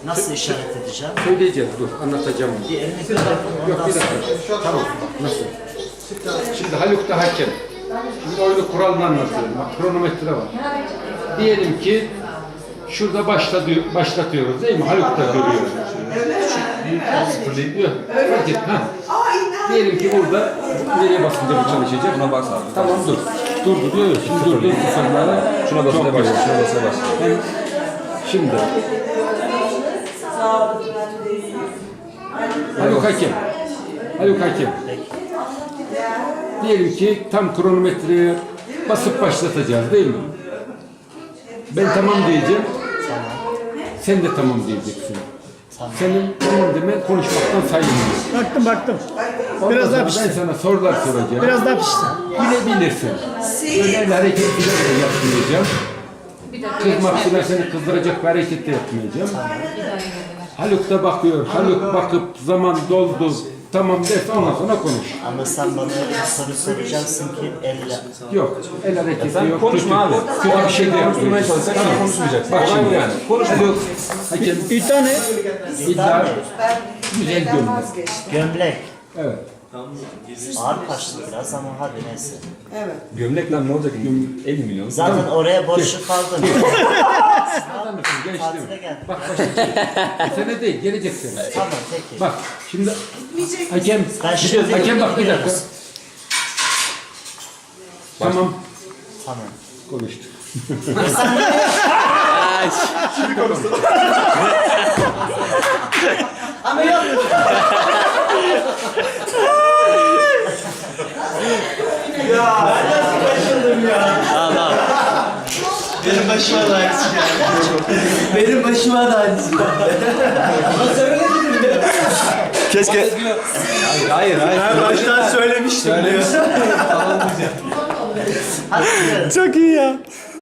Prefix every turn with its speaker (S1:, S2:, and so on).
S1: Nasıl işaret edeceğim?
S2: Söyleyeceğiz, dur anlatacağım.
S1: Bir elini bir tarafını
S2: Yok
S1: ondan
S2: bir
S1: sonra.
S2: dakika. Tamam. Nasıl? Şimdi Haluk da hakem. Şimdi oyunu kuralını anlatıyorum. Bak kronometre var. Diyelim ki şurada başlatıyoruz değil mi? Haluk da görüyor. Sıfırlayıp fark et. Ha. Diyelim ki burada nereye basınca bu çalışacak?
S3: Buna bas abi.
S2: Tamam dur. Dur. Şimdi dur. Sıfırlara.
S3: Şuna basına başla. Şuna basına başla.
S2: Ben şimdi Haluk hakem. Diyelim ki tam kronometreye basıp başlatacağız değil mi? Ben tamam diyeceğim. Sen de tamam diyeceksin. Senin tamam demen konuşmaktan sayılmıyor.
S4: Baktım.
S2: Ondan
S4: Biraz
S2: sonra
S4: daha
S2: ben
S4: pişti.
S2: sana sorular soracağım.
S4: Biraz daha pişti.
S2: Bilebilirsin. Öyle hareketler de yapmayacağım. Kızmak için seni kızdıracak bir hareket de yapmayacağım. Haluk da bakıyor. Haluk bakıp zaman doldu. Tamam derse ondan sonra konuş.
S1: Ama sen bana soru soracaksın ki elle.
S2: Yok. El hareketi
S3: Sen
S2: yok.
S3: konuşma abi.
S2: Kötü bir şey de
S3: Konuşturmaya
S2: yapmayacağız.
S3: çalışsan sen konuşmayacaksın.
S2: Bak
S3: Olay
S2: şimdi
S3: bu yani. Konuş.
S2: Haluk hakem
S4: İddia ne?
S2: iddia güzel gömlek.
S1: Gömlek.
S2: Evet.
S1: Ağır kaçtı biraz ama hadi neyse.
S3: Gömlek lan ne olacak? 50 milyon.
S1: Zaten oraya borçlu kaldın.
S2: Adam mısın?
S1: Tatile
S2: Gençliğim.
S1: gel.
S2: Bak başlayacak. Sene değil, gelecek sene.
S1: Tamam peki.
S2: Bak şimdi hakem,
S1: Ben şimdi
S2: hakem bak bir dakika. Tamam,
S1: Tamam.
S2: konuştuk.
S1: Ama yok.
S5: Benim başıma da aynısı geldi. Benim başıma da aynısı geldi.
S3: Keşke. Hayır.
S5: Ben baştan söylemiştim diyor.
S1: Hadi gidelim.
S4: Çok iyi ya.